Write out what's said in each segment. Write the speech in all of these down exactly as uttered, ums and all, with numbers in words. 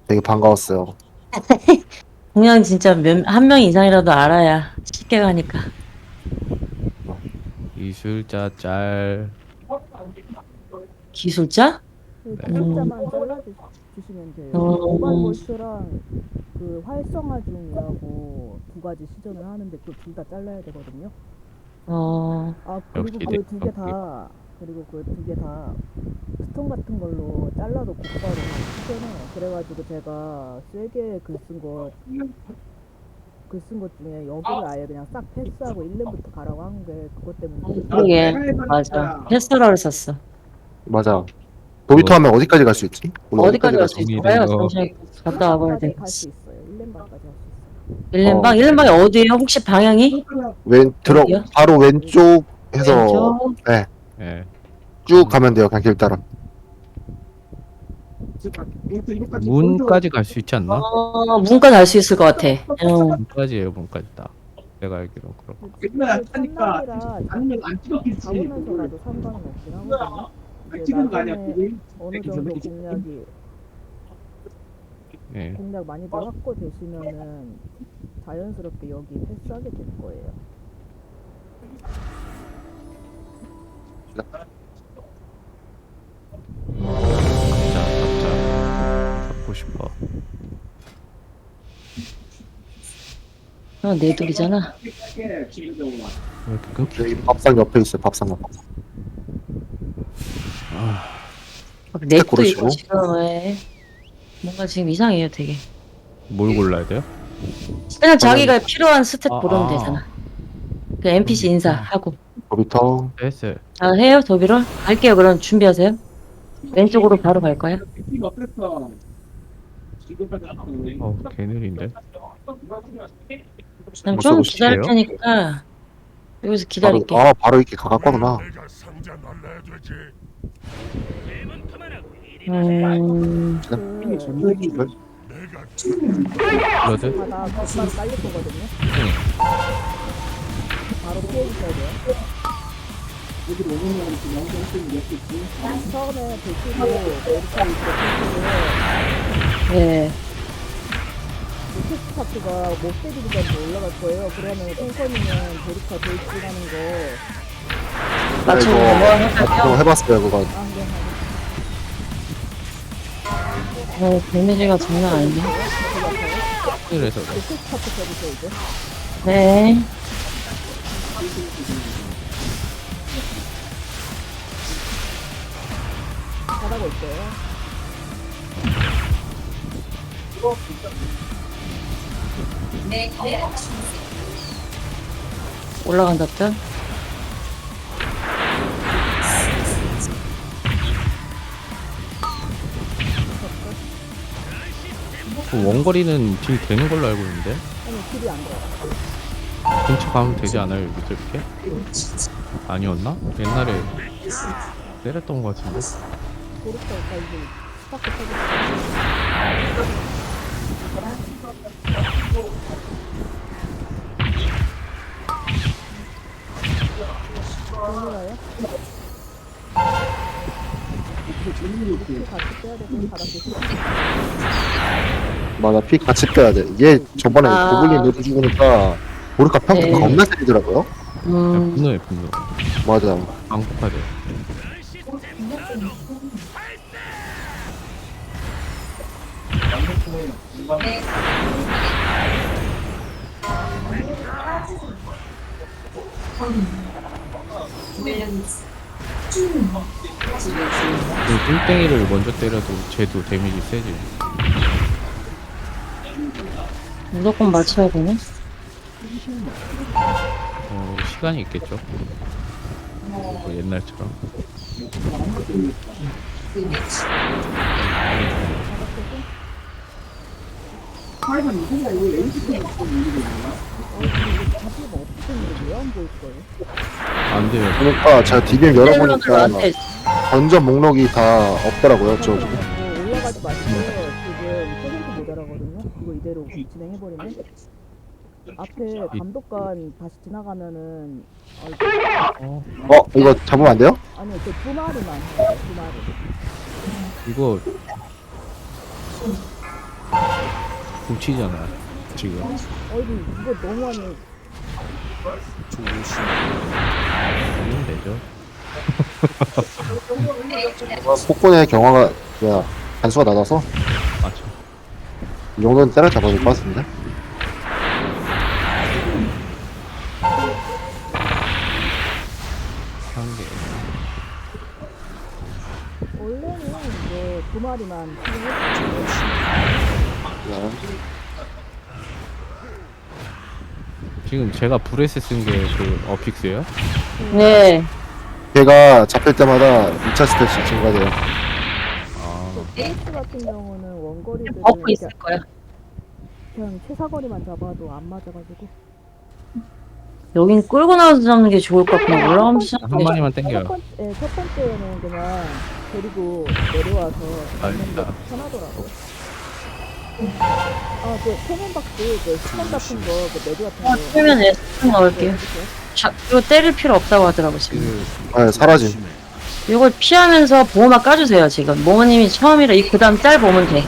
되게 반가웠어요. 공양 진짜 몇, 한 명 이상이라도 알아야 쉽게 가니까. 이술자 짤. 기술자? 그 네. 기술자만 잘라주시면 돼요. 어. 모바일 볼트랑 그 활성화 중이라고 두 가지 시전을 하는데 그 둘 다 잘라야 되거든요. 어, 아 그리고 역시 그 두 개 네. 다 그리고 그 두 개 다 스톤 같은 걸로 잘라도 곧바로 시전해요. 그래가지고 제가 세게 글 쓴 거 글 쓴 것 중에 여기를 아예 그냥 싹 패스하고 일 렘부터 가라고 한 게 그것 때문에. 그러게. 맞아. 패스러를 썼어. 맞아. 도비토 하면 어디까지 갈 수 있지? 오늘 어디까지 갈 수 가지? 있을까요? 정리된 거. 잠시 갔다 와봐야 돼. 갈수 있어요. 일 렘방까지 할 수 있어요. 일렘방? 어. 일렘방이 어디에요? 혹시 방향이? 왼 들어 어디요? 바로 왼쪽 해서 왼쪽? 네, 예. 쭉 가면 돼요. 그냥 길 따라. 문까지 갈 수 있지 않나? 어, 문까지 갈 수 있을 것 같아. 어. 문까지예요, 문까지 딱. 내가 알기로 그렇고. 맨날 하니까 아니면 안 찍었겠지. 잡으면서라도 상관은 없긴 하거든요. 이제 찍은 거 아니야? 나중에 어느 정도 공략이 예. 공략 많이들 확보되시면은 자연스럽게 여기 패스하게 될 거예요. 자, 잡자. 잡고 싶어. 어, 내 둘이잖아. 왜 이렇게 끊기? 여기 밥상 옆에 있어요. 밥상 옆에. 넥도 고르시고. 있고 지금 왜 뭔가 지금 이상해요, 되게. 뭘 골라야 돼요? 그냥 자기가 필요한 스탯 아, 고르면 아. 되잖아. 그 엔피씨 인사하고. 도비토. 됐어요. 자, 해요, 도비로? 갈게요, 그럼 준비하세요. 왼쪽으로 바로 갈 거야. 어우, 개 느린데? 그럼 뭐 좀 써보실게요? 기다릴 테니까 여기서 바로, 기다릴게. 아 바로 이렇게 가깝구나. 음, 그 블러드? 바다 곧바로 깔릴 거거든요. 바로 피해 주셔야 돼요. 처음에 보시고 메리카이 이렇게 네. 테스트 파트가 못 때리기까지 올라갈 거예요. 그러면 탱커님은 베리카 돌진하는 거 맞춰 이거 뭐 앞으로 할까요? 해봤어요. 그거. 아, 네. 어, 데미지가 장난 아니네. 그래서 이제 테스트 파트 써주세요 이제. 네. 잘하고 있어요. 올라간다 또. 그 원거리는 딜 되는 걸로 알고 있는데? 아니 딜이 안 돼요. 근처 가면 되지 않아요, 여기서 이렇게? 아니었나? 옛날에 때렸던 것 같은데? 고르스가 이제 스파크 써주세요. 돌려요? 같이 빼야 되고 바닥 보시고. 맞아. 피 같이 빼야 돼. 얘 저번에 아. 고블린 모두 죽으니까 보르카 평타 네. 겁나 때리더라고요. 음, 분노해, 분노. 맞아. 방폭하대. 그 꿀땡이를 먼저 때려도 쟤도 데미지 세지. 무조건 맞춰야 되네. 어, 시간이 있겠죠? 뭐 옛날처럼. 자기가 없으면 왜안 보일 거예요? 안 돼요. 그러니까 제가 디비엠 열어보니까 나한테 던전 목록이 다 없더라고요. 저 뭐 올라가지 마시고 지금 퍼센트 모자라거든요. 이거 이대로 진행해버리면 앞에 감독관 다시 지나가면은 아, 이거- 어, 어 이거 잡으면 안 돼요? 아니요 그 두 마리만 해요, 두 마리. 이거 훔치잖아 지금. 어이 이거 너무하네. 하면 되죠. 폭군의 경화가 뭐야 단수가 낮아서 맞죠. 이 정도는 때려잡아야 될 것 같은데. 한 개. 원래는 이제 두 마리만 키우고 네. 지금 제가 브레스 쓴 게 그 어픽스예요? 네. 걔가 잡힐 때마다 이 차 스탯이 증가돼요. 아, 페이스 같은 경우는 원거리들은 버프 이렇게 있을 거야. 그냥 최사거리만 잡아도 안 맞아가지고 여긴 끌고 나와서 잡는 게 좋을 것 같구나. 올라가면서 한 잡는 게 마리만 첫, 땡겨요. 번, 예, 첫 번째는 그냥 데리고 내려와서 잡는 게 아, 편하더라고요. 아, 그 캐논박스, 그 스톤 같은 거, 그 매드 같은 거. 풀면 에스폰 넣을게요. 해주세요. 자, 이거 때릴 필요 없다고 하더라고 지금. 그 네, 사라짐. 이걸 피하면서 보호막 까주세요 지금. 모모님이 처음이라 이 그다음 짤 보면 돼.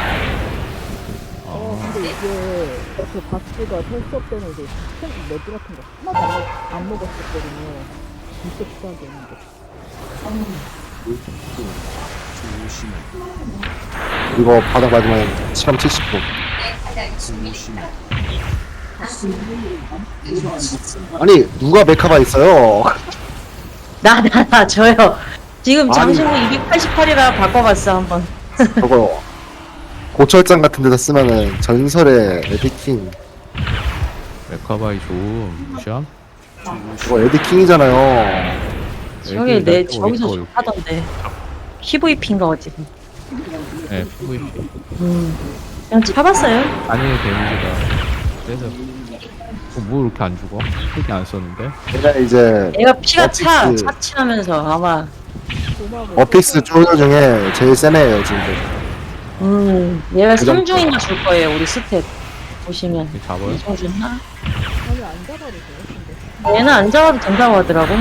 어, 아, 근데 이게 그 박스가 텔수업 때는 이제 스톤 매드 같은 거 하나도 안, 먹, 안 먹었었거든요. 진짜 비싸게 했는데. 이거 바닥 맞으면 실험 칠십 퍼. 아니 누가 메카가 있어요? 나 나 나 저요. 지금 아니. 장신구 이백팔십팔이라 바꿔봤어 한번. 저거 고철장 같은 데다 쓰면은 전설의 에디킹. 메카바이 좋음. 무시함? 이거 에디킹이잖아요. 저기 애들이 내 날 저기서 또 하던데. 피브이피인가 어디. 네, 피브이피. 음. 그냥 잡았어요. 단일 데미지가 세서. 어, 뭐 이렇게 안 죽어? 힐이 안 썼는데? 얘가 이제 얘가 피가 차 어픽스. 차치하면서 아마. 고마워. 어픽스 쪼저 중에 제일 센 애예요 지금. 음. 얘가 그 정도. 삼중인가 줄 거예요 우리 스텝 보시면. 이렇게 잡아요? 이정 줬나? 아니, 안 잡아도 돼요, 근데. 얘는 안 잡아도 된다고 하더라고.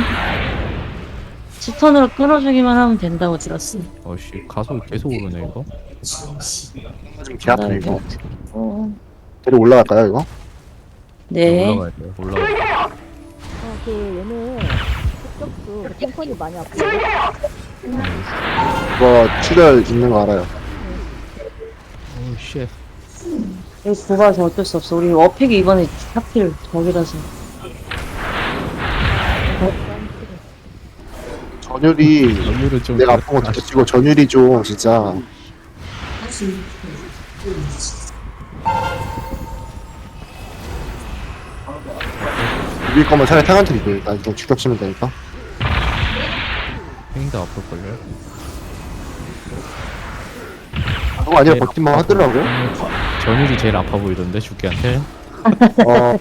스턴으로 끊어주기만 하면 된다고 들었어. 어씨, 가속 계속 오르네, 이거. 지금 개 아프네 이거. 어. 데리 올라갈까요 이거? 네. 올라가야 돼요, 올라가야 돼. 아, 그 얘는 흑적수 그 탱커니 많이 아프고 이거 출혈 있는 거 알아요. 오, 쉣. 여기 좁아서 어쩔 수 없어. 우리 어팩이 이번에 하필 저기라서. 전율이 연율은 좀. 내가 아픈 거 느껴지고 전율이 좀 진짜 이길 거면 차라리 탱한테 이겨. 나 이거 죽격 치면 되니까. 행도 아플걸요? 그거 아니라 버팀만 하더라고. 전율이 제일 아파 보이던데, 죽기한테. 어,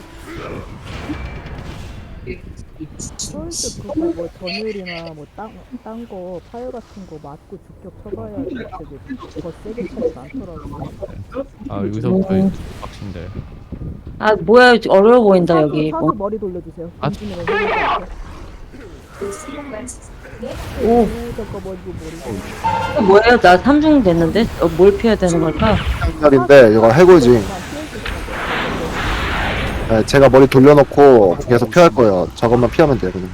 솔직히 그거 뭐 전율이나 뭐딴딴거 파열 같은 거 맞고 죽격 쳐봐야지 되게 더 세게 차지 않더라고요. 아, 여기서부터 음. 빡친데. 아 뭐야 어려워 보인다 사수, 여기. 사수 뭐. 머리 돌려주세요. 아, 김치는 해볼까? 오. 저거 머리고 머리. 뭐예요? 나 삼중 됐는데? 어, 뭘 피해야 되는 걸까? 탱날인데 이거 해골지. 네, 제가 머리 돌려놓고 계속 피할 거예요. 저것만 피하면 돼요. 그냥.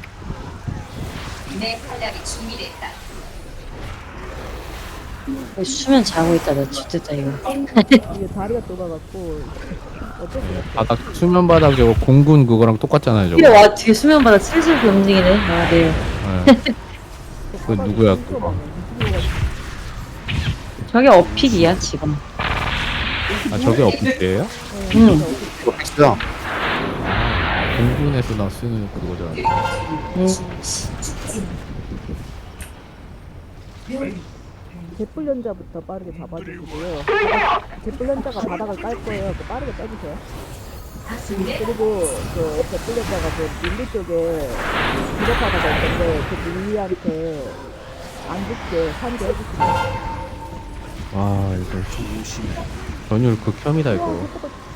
수면 자고 있다. 나 죽겠다 이거. 이게 다리가 좁아갖고 어쩔 수 없어. 바닥, 수면 바닥 저거 공군 그거랑 똑같잖아요, 뒤에 저거. 와 뒤에 수면 바닥 슬슬 움직이네. 아 네. 네. 그 누구야, 그거? 저게 어픽이야 지금. 아, 저게 어플이에요? 응. 이거 픽스야. 공군에서 나 쓰는 그거잖아. 응. 제뿔연자부터 빠르게 잡아주시고요. 제뿔연자가 바닥을 깔 거예요. 그 빠르게 빼주세요. 그리고 그 제뿔연자가 그 밀리 쪽에 기력하다가 있는데 그 밀리한테 안 죽게 산게 해주시고. 와, 이거. 전율 극혐이다, 이거.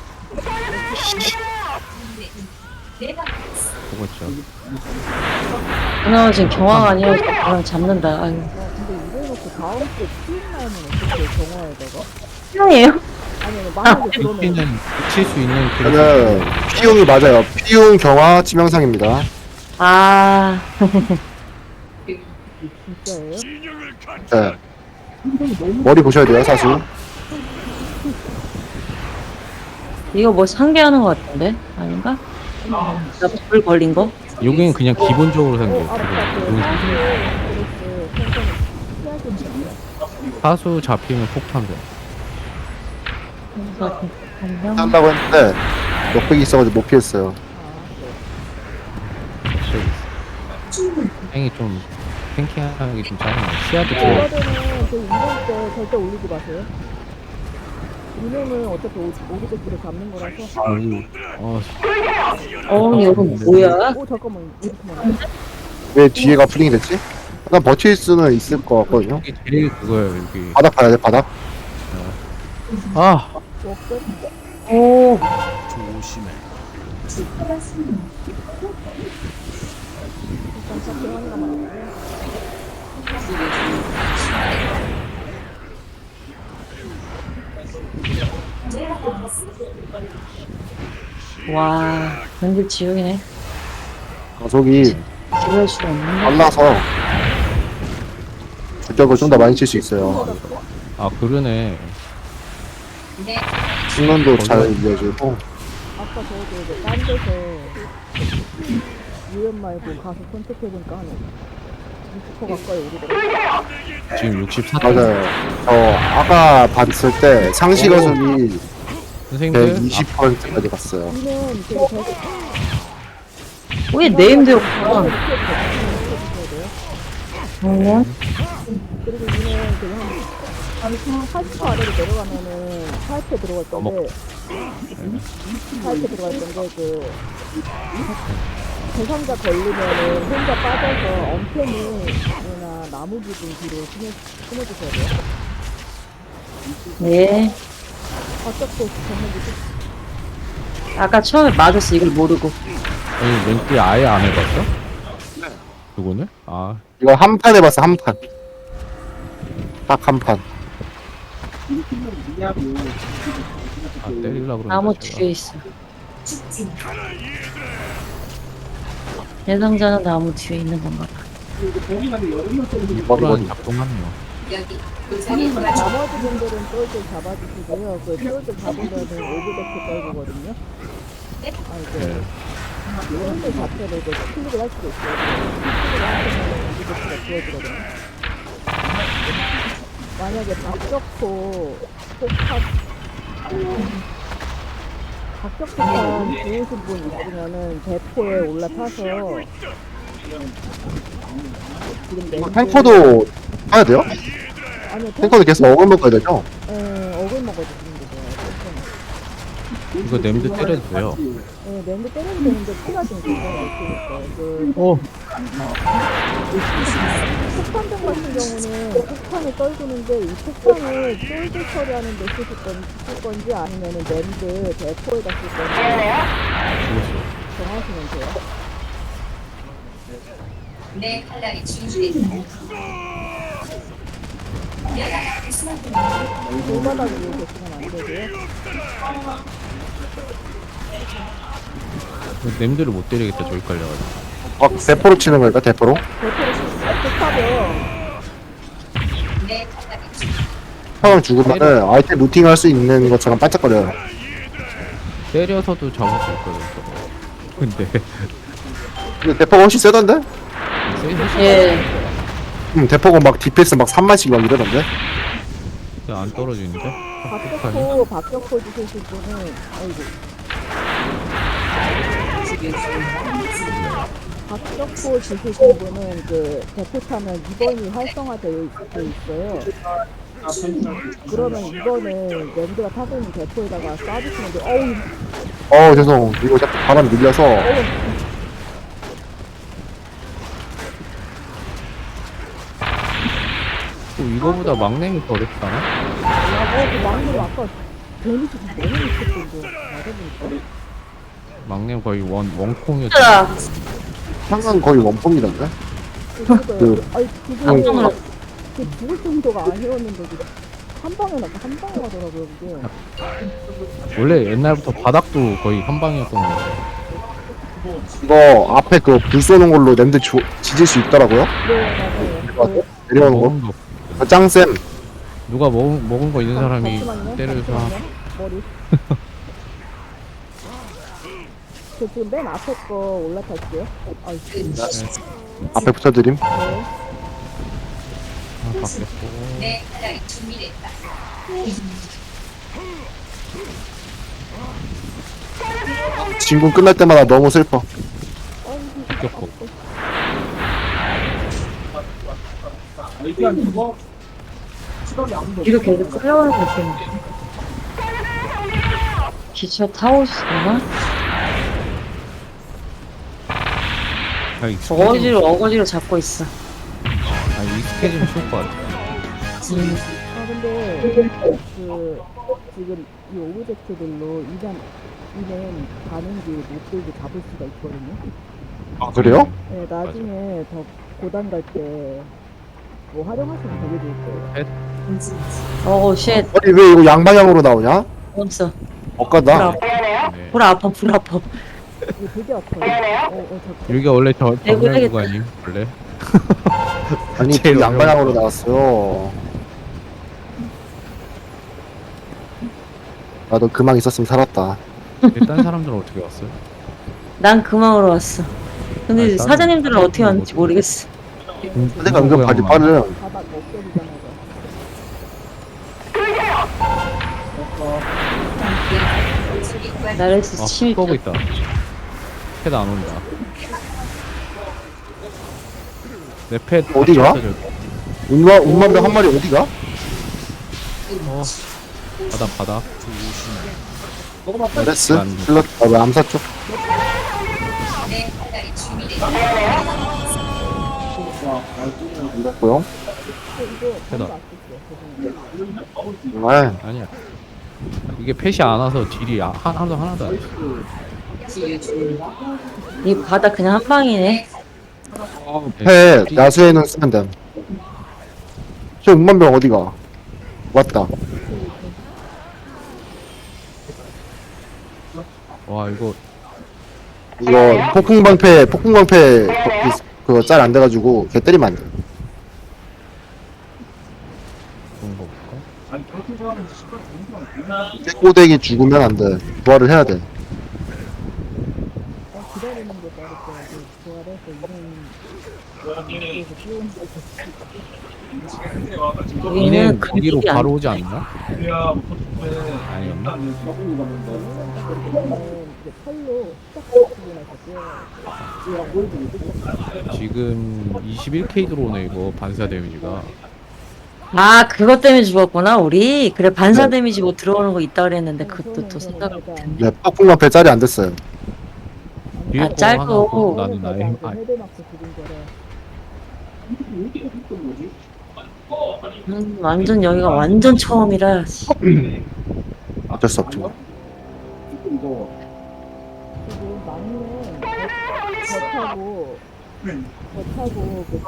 그거 진짜. 그나마 지금 경화가 아니라 그냥 잡는다. 아유. 어, 근데 이래놓고 다음 주에 피임 나오면 어떻게 경화에다가? 필요해요? 아니 아니 만약에 그러면 미치는 미칠 수 있는 그런 저는 피웅이 맞아요. 피웅 경화 치명상입니다. 아, 진짜예요? 네. 머리 보셔야 돼요, 사수. 이거 뭐 상계하는 것 같은데? 아닌가? 나불 걸린 거? 여기는 그냥 기본적으로 어 생겨. 알았다. 그 그거. 사수 그랬어. 생선 피하기 사수 잡히면 폭탄 돼. 그래서 한 명. 한다고 했는데 역백이 있어가지고 못 피했어요. 행이 좀 탱키하기 좀 짜증나. 시야도 좋아. 이거는 그 인간 때 절대 올리지 마세요. 인형은 어차피 오- 오리백기를 잡는 거라서. 어, 어, 이거 뭐야? 오 잠깐만 이렇게 말해. 왜 뒤에가 풀링이 됐지? 일단 버틸 수는 있을 것 같거든요. 여기 제일 그거예요 여기. 바닥 봐야 돼, 바닥. 아, 워크. 오, 일단 샤키 하나만 하고요. 와, 완전 지옥이네. 가속이 지울 수가 없는데. 빨라서 저격을 좀 더 많이 칠 수 있어요. 아 그러네. 충전도 잘 이어지고. 아까 저도 이제 딴 데서 유엔 말고 가서 선택해보니까 한 육십 퍼센트 가까이 오르더라고요. 지금 육십사. 맞아요. 저 아까 봤을 때 상시 가속이 선생님들 백이십 퍼센트까지 갔어요. 이는 되게 되게 왜 네임대로 아, 가? 이렇게 해주셔야 돼요. 어? 그리고 이는 되게 한 팔십 퍼센트 아래로 내려가면은 파이프에 들어갈 건데 파이프에 들어갈 건데 그 대상자 걸리면은 혼자 빠져서 엄폐물이나 나무 부분 뒤로 숨어, 숨어주셔야 돼요. 네. 바짝도 정말 무슨 아까 처음에 맞았어, 이걸 모르고. 아니 멘트 아예 안 해봤어? 그거는? 아 이거 한 판 해봤어, 한 판. 딱 한 판. 아, 때리려고 그러는데 나무 제가. 뒤에 있어. 대상자는 나무 뒤에 있는 건가 봐. 머리 호란 머리. 작동하네요. 나머지 분들은 똘똘 잡아주시고요. 그 똘똘 잡으면은 오브데크 떨구거든요. 아 이제 네. 똘똘 자체를 이제 클릭을 할 수도 있어요. 클릭을 하시면 오브데크가 지워지거든요. 만약에 박격포 폭탄 박격포탄 주우신 분 있으면은 대포에 올라타서 지금 내 탱커도 해야 돼요? 아니요 탱 탱커도 계속 어글 먹어야 되죠? 예, 어글 먹어주시는 거죠. 이거 냄새 때려도 돼요. 네, 랜드 때려도 되는데 피가 좀 굉장히 있으니까 그 오. 폭탄병 같은 경우는 폭탄을 떨구는데 이 폭탄을 쫄들 처리하는 데 쓰실 건, 쓸 건지 아니면은 랜드 대포에다 쓸 건지 정하시면 돼요. 내 칼날이 진주했다. 돌바닥 위에 계시면 안 되고요. 냄새를 못 때리겠다 저기 깔려가지고. 아, 대포로 치는 거니까, 대포로? 대포를 폭탄병 내 칼날이 진주. 형을 죽으면은 아이템 루팅 할 수 있는 것처럼 반짝거려요. 때려서도 잡을 수 있거든 저거. 근데 근데 대포가 훨씬 세던데? 세이브 예. 음, 대포가 막 디펜스 막 삼만씩 막 이러던데? 안 떨어지는데? 박격포 박격포 주실 분은 아이고 박격포 주실 분은 그 대포 타면 이 번이 활성화되어 있- 있어요. 그러면 이번에 랜드가 타고 있는 대포에다가 쏴주시면 돼요. 어우, 어우, 죄송. 이거 자꾸 바람 밀려서. 어우, 또 이거보다 막내미 더 어렵다나? 어, 그 막내 아까 데미지 너무 미쳤던데. 맞아보니까. 막내미 거의 원 원콩이었지. 자, 항상 거의 원폼이던데? 그러니까요. 그- 아니, 깜짝 그거 놀랐어. 그 죽을 정도가 아니었는데, 그 한 방에 나한 방에 가더라고요 그게. 원래 옛날부터 바닥도 거의 한 방이었던 거 같아요. 이거 앞에 그 불 쏘는 걸로 랜드 조, 지질 수 있더라고요. 네 맞아요. 맞아? 내려오는 거. 먹은 거 아, 짱쌤. 누가 먹은 먹은 거 있는 사람이 잠시만요, 때려서 잠시만요. 머리. 저 지금 맨 앞에 거 올라탈게요. 아, 네. 앞에 붙여드림. 하나 바뀌었고 내 칼날이 준비됐다. 진군 끝날 때마다 너무 슬퍼. 바뀌었고 뒤로 계속 끌려가는 느낌인데. 기차 타고 있었나? 아, 익숙해지면 어거지로 어거지로 잡고 있어. 아, 익숙해지면 좋을 것 같아. 아 근데 그 지금 이 오브젝트들로 이전 이는 가는 길 못 들고 잡을 수가 있거든요. 아, 그래요? 네 나중에 더 고단 갈 때 뭐 활용하시면 되게 좋을 거예요. 어우 쉣. 아니, 왜 이거 양방향으로 나오냐? 없어. 못 가다. 네. 불 아파 불 아파. 이게 되게 아파요. 어, 어, 잠깐. 여기가 원래 저 내고 정면 해야겠다. 구간임 원래. 아니, 제일 그 양방향으로 어려운 나왔어요. 나도 그망 있었으면 살았다. 딴 사람들은 어떻게 왔어요? 난 금왕으로 왔어. 근데 아니, 다른- 사장님들은 다른 어떻게 왔는지 뭐- 모르겠어. 내가 은근 발이 빠르. 바닥 없애리자마자. 나레스 아, 침입. 끄고 있다. 패드 안 온다. 내 패드 어디가? 운마, 운만병 한 마리 어디가? 어, 바다 바다. 레스? 안 돼. 슬럿, 아, 왜 암사 쪽? 내 칼날이 준비됐다. 안 됐고요. 패다. 정말. 아니야. 이게 펫이 안 와서 딜이 아- 하- 하나도 하나도 안 돼. 이 바다 그냥 한 방이네. 해, 야수에는 쓰면 됨. 저 운만병 어디가? 왔다. 와 이거 이거 폭풍방패, 폭풍방패 그거 짤 안 돼가지고 걔 때리면 안 돼. 좋은 거 볼까? 깨꼬대기 죽으면 안 돼. 부활을 해야 돼. 어, 기다리는 게 빠르더라고. 부활해서 이런 데서 뛰어온 여기는 이는 거기로 금길이 바로 안 오지 않나? 아니었나? 때는 이제 팔로 시작하고 나서 뛰어요. 지금 이십일 케이 들어오네 이거 반사 데미지가. 아 그것 때문에 죽었구나 우리. 그래 반사 네. 데미지 뭐 들어오는 거 있다 그랬는데 그것도 또 생각 못 못했네. 네, 폭풍방패 짤이 안 됐어요. 뒤에 아, 거 짧고. 하나 없고 나는 나의 힘- 아, 헤드 맞고 죽은 거래. 음, 완전 여기가 완전 처음이라. 씨. 어쩔 수 없죠. 지금 막내 배 타고 배 타고 그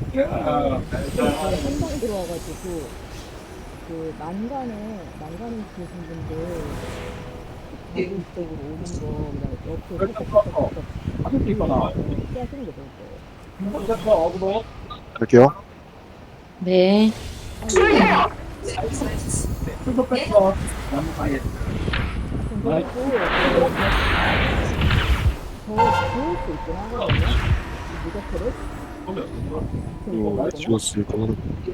한방 들어와가지고 그 난간에 난간에 계신 분들 대구 쪽으로 오는 거 그다음에 옆에 살짝 피하시는 게 좋을 거예요. 갈게요. 네. 그리고 더 좋을 수 있긴 하거든요. 이 무적표를. 이거 죽었을 거.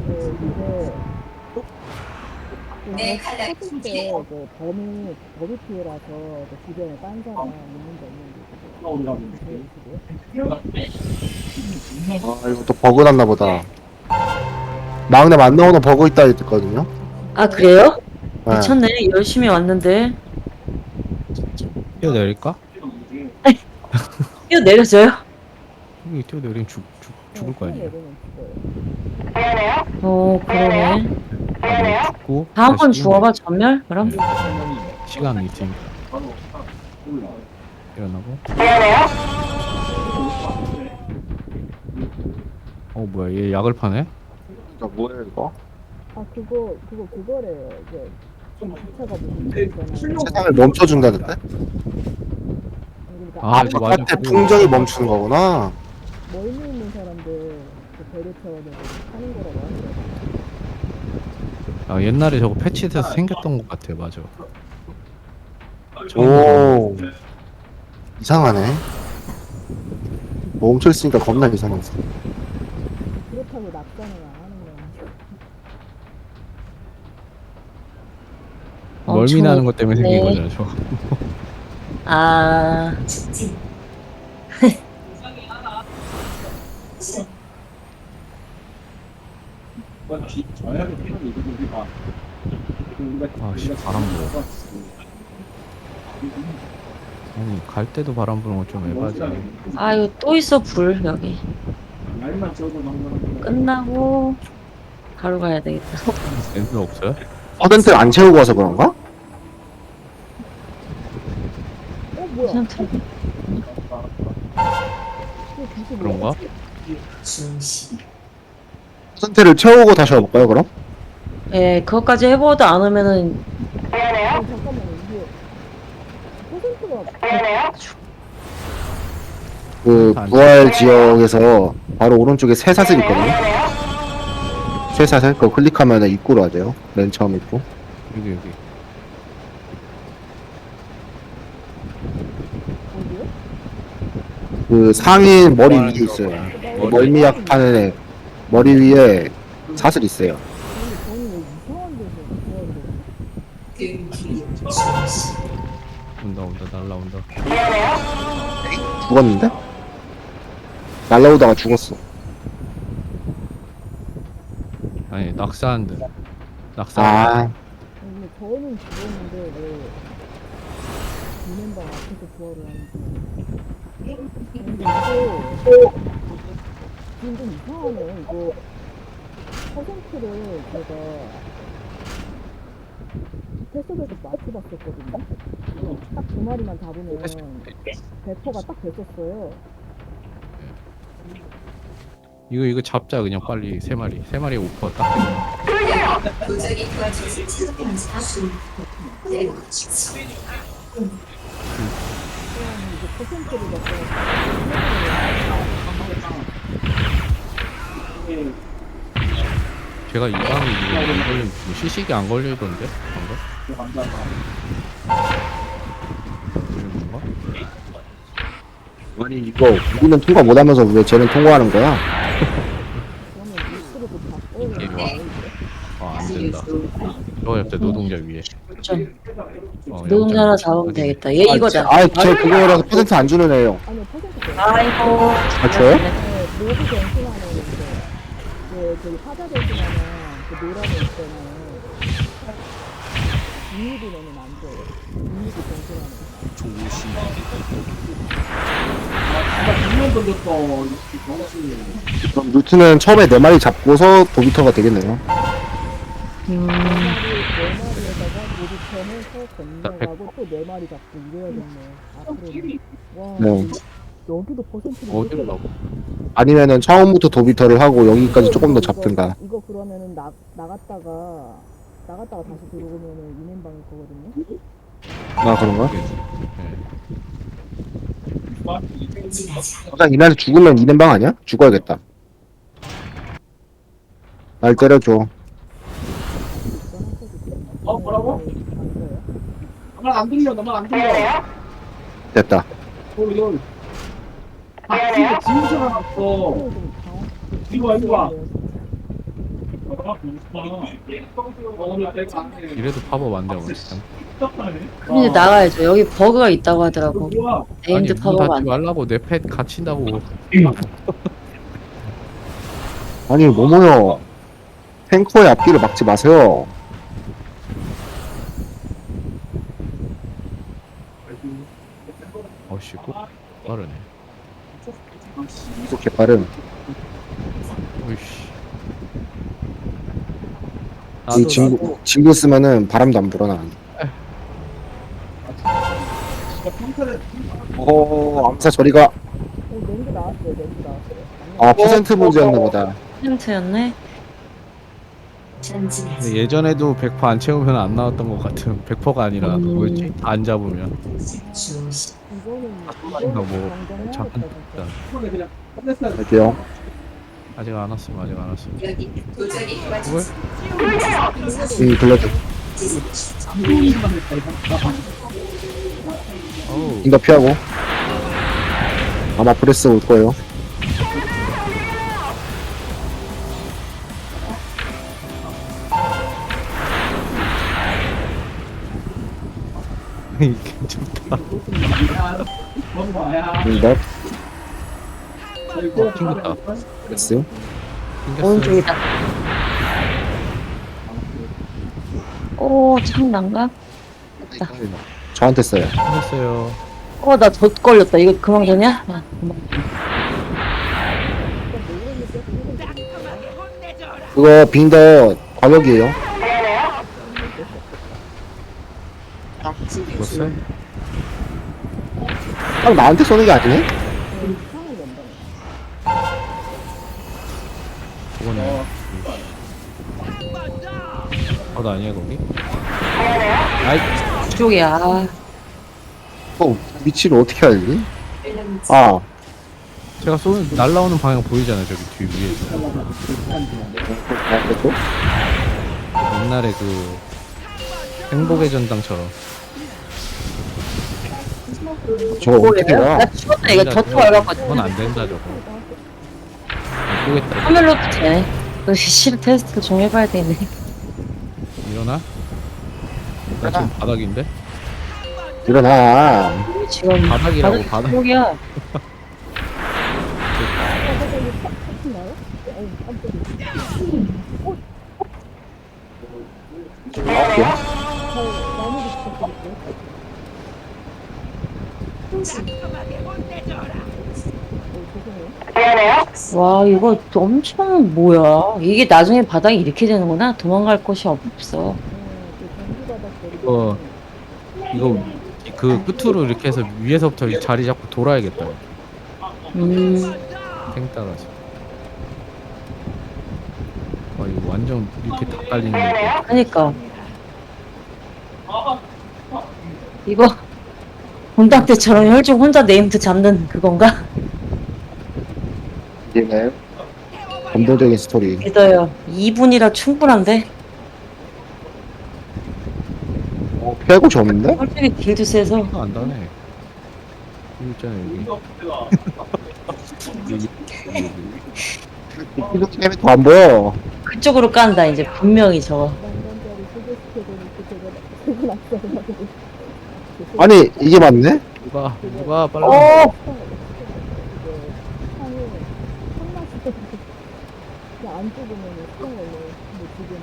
내 칼날이 때 준비됐다. 그 범위 범위 피해라서 그 주변에 딴 사람 있는지 없는지 그거 아, 이거 또 버그 났나 보다. 막내 안 나오는 버그 있다 했거든요. 아 그래요? 네. 미쳤네. 열심히 왔는데. 뛰어내릴까? 이거 내려줘요? 여기 뛰어내리면 죽, 죽, 죽을 거 아니야. 어 그러네. 아, 죽고 다음 건 다시 주워봐 전멸? 그럼? 네. 시간 있으니까 일어나고. 어 뭐야 얘 약을 파네? 이거 뭐야 이거? 아 그거 그거 그거래요. 이제 기차가 무슨 있잖아요. 세상을 멈춰준다는데? 그러니까 아, 이거 맞아. 바깥의 풍경이 멈추는 거구나. 멀리 있는 사람들 그 배를 태워서 하는 거라고 하더라고요. 아, 옛날에 저거 패치돼서 생겼던 것 같아. 맞아. 오 이상하네. 멈춰 있으니까 겁나 이상했어. 그렇다고 낙산을 안 하는 건 아니고. 멀미 엄청 나는 것 때문에 생긴 네. 거잖아, 저거. 아, 아, 씨, 바람 불어. 아니, 갈 때도 바람 부는 거 좀 에바지. 아 이거 또 있어 불 여기. 끝나고 바로 가야 되겠다. 센스 없어요? 퍼센트를 안 채우고 와서 그런가? 어 뭐야? 그냥 들어. 이거 기술 그런가? 퍼센트를 채우고 다시 와볼까요 그럼? 예, 그것까지 해보도 안 오면은 어, 잠깐만요. 이게 퍼센트가 그 부활 지역에서 바로 오른쪽에 쇠사슬 있거든요. 쇠사슬 그거 클릭하면 입구로 하죠. 맨 처음 입구. 여기, 여기. 어디요? 그 상인 머리 위에 있어요. 멀미약 파는 애 머리 위에 사슬 있어요. 근데 저는 왜 이상한 데서 좋아하는 온다, 온다, 날라온다. 죽었는데? 날라오다가 죽었어. 아니, 낙사한데. 낙사. 아 근데 저는 죽었는데 왜 비맨방 앞에서 부활을 하는지. 근데 이거 지금 좀 이상하네요. 이거 퍼센트를 제가 패속에서 맞춰봤었거든요. 딱 두 마리만 잡으면 백 퍼센트가 딱 됐었어요. 이거, 이거 잡자, 그냥 빨리. 세 마리. 세 마리 오퍼 딱. 도저히 도와줄 수 없어. 네. 그럼 이제 퍼센트를 맞춰서 제가 이 방이 이거 안 걸린, 뭐 시식이 안 걸리던데? 방금? 이런 건가? 아니 이거 우리는 통과 못하면서 왜 쟤는 통과하는 거야? 그러면 리스트로도 바꿔야 이게 돼요. 아, 안 된다. 저거 옆에 노동자 위에. 좀 어, 노동자 하나 영점 잡으면 어디? 되겠다. 얘 이거다. 아쟤 그거라서 퍼센트 안 주는 애요. 아니요, 퍼센트 아이고. 아 줘요? 네, 모두 변신하는 이제 그 저기 화자 변신하는 그 노란애 있잖아요. 이미지로는 안 돼요. 이미지 변신하는. 그럼 루트는 처음에 네 마리 잡고서 도비터가 되겠네요. 음, 네 마리에다가 모두 편해서 건너가고 또 네 마리 잡고 이래야겠네요. 앞으로는. 와, 네. 여기도 퍼센트를 어디로 이렇게 가고? 아니면은 처음부터 도비터를 하고 여기까지 조금 더 이거- 잡든가. 이거 그러면은 나 나갔다가 나갔다가 다시 들어오면은 이맨방일 거거든요. 아 그런가? 네. 가장 이날에 죽으면 이는방 아니야? 죽어야겠다. 날 때려줘. 어 뭐라고? 나만 안 들려, 나만 안 들려. 됐다. 아, 지금 지금 왔어. 이리 와, 이리 와. 이래도 팝업 안 되고 근데 나가야죠. 여기 버그가 있다고 하더라고. 아니 네임드 문 팝업 닫지 안 돼. 말라고 내 펫 갇힌다고. 아니 뭐뭐요. 탱커의 앞길을 막지 마세요. 어씨 꼭 빠르네. 이렇게 빠름. 오이씨. 이 친구 친구 쓰면은 바람도 안 불어나. 어 암사 저리가. 어 렌즈 나왔어요. 렌즈 나왔어요. 아 퍼센트 문제였나 보다. 힌트였네. 전진하지. 근데 예전에도 백 퍼센트 안 채우면 안 나왔던 것 같은 백 퍼센트가 아니라 음. 뭐였지? 다 안 잡으면 주시. 이거는 그러니까 뭐 이거는 잠깐 정정해야겠다 진짜. 이번에 그냥 끝냈어야 돼. 갈게요. 아직 안 왔음 아직 안 왔음. 여기 도전이 그걸 이 블러드. 이거만 했다, 이거. 어우 인가 피하고. 아마 브레스 올 거예요. 이게 좋다. 뭔 거야? 인가 이거 튕겼다. 브레스. 튕겼어요. 오른쪽이다. 오, 참 난가? 저한테 써요. 튕겼어요. 어, 나 덧 걸렸다. 이거 그만 되냐? 아, 그만. 그거 빙더 과격이에요. 죽었어요? 딱 나한테 쏘는 게 아니네? 그거네. 어, 나 아니야 거기? 아이 이쪽이야. 아, 어, 위치를 어떻게 알지? 아, 제가 쏘는 날라오는 방향 보이잖아요 저기 뒤 위에서. 그렇죠? 옛날에 그 행복의 전당처럼. 저거 어떻게 뭐예요? 봐? 나 죽었다. 이거 덧 그건 걸렸거든. 안 된다 저거. 안 보겠다. 카멜로도 되네. 그 실 테스트 좀 해봐야 되네. 일어나? 나 지금 바닥인데? 일어나. 지금 바닥이라고, 바닥. 여기야. 나올게요. 와, 이거 엄청 뭐야? 이게 나중에 바닥이 이렇게 되는구나. 도망갈 곳이 없어. 이거 이거 그 끝으로 이렇게 해서 위에서부터 이 자리 잡고 돌아야겠다. 음, 탱 따라서. 와 이거 완전 이렇게 다 깔리는 거. 그니까. 이거 본당 때처럼 혈중 혼자 네임드 잡는 그건가? 이네. 감동적인 스토리. 믿어요. 이 분이라 충분한데? 어, 패고 졌는데? 솔직히 딜도 세서. 아, 안 다네. 여기 있잖아 여기. 여기, 여기. 이거 때문에 더 안 보여. 그쪽으로 깐다, 이제. 분명히 저거. 아니, 이게 맞네? 누가 누가 빨리. 오! 안 죽으면 수정 걸려요. 근데 지금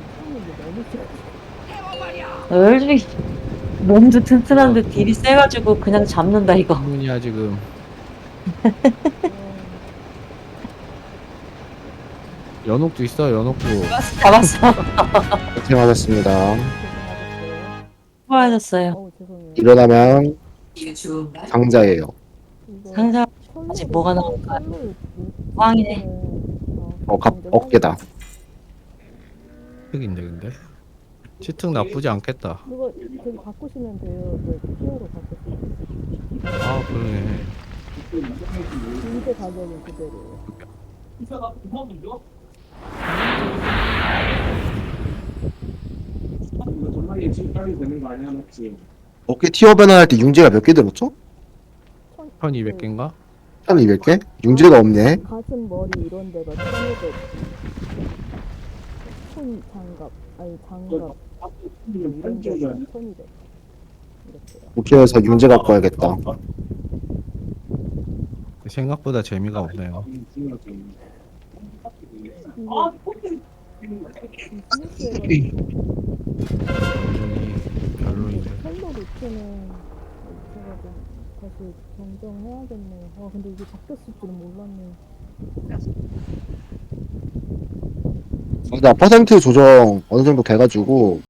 상이 너무 싫어. 솔직히 몸도 튼튼한데 딜이 세가지고 그냥 잡는다, 이거. 문이야 지금. 연옥도 있어 연옥도. 잡았어. 고생하셨습니다. 수고하셨어요. 어우 죄송해요. 일어나면 이게 좋은가? 상자예요. 이거 상자 철로- 아직 뭐가 나올까요? 철로 왕이네. 어, 갑, 어깨다. 흑인데 근데. 치특 나쁘지 않겠다. 그거 저기 바꾸시면 돼요. 네, 티어로 바꾸시면 돼요. 아 그러네. 인쇄 가격은 그대로예요. 이사가 구멍이죠? 이거 정말 예측 빨리 되는 거 아니야, 맞지? 어깨 티어 변환할 때 융제가 몇 개 들었죠? 천이백 개인가? 천이백 개? 융제가 없네. 가슴 머리 이런 데가 천오백. 손 장갑 아니 장갑 이런 데가 천이백. 이렇게요. 도쿄에서 융제 갖고 와야겠다. 생각보다 재미가 없네요. 이게 스무스해가지고 완전히 별로인데. 컬러 루트는 제가 좀 다시 정정해야겠네요. 와 근데 이게 바뀌었을 줄은 몰랐네. 나 퍼센트 조정 어느 정도 돼가지고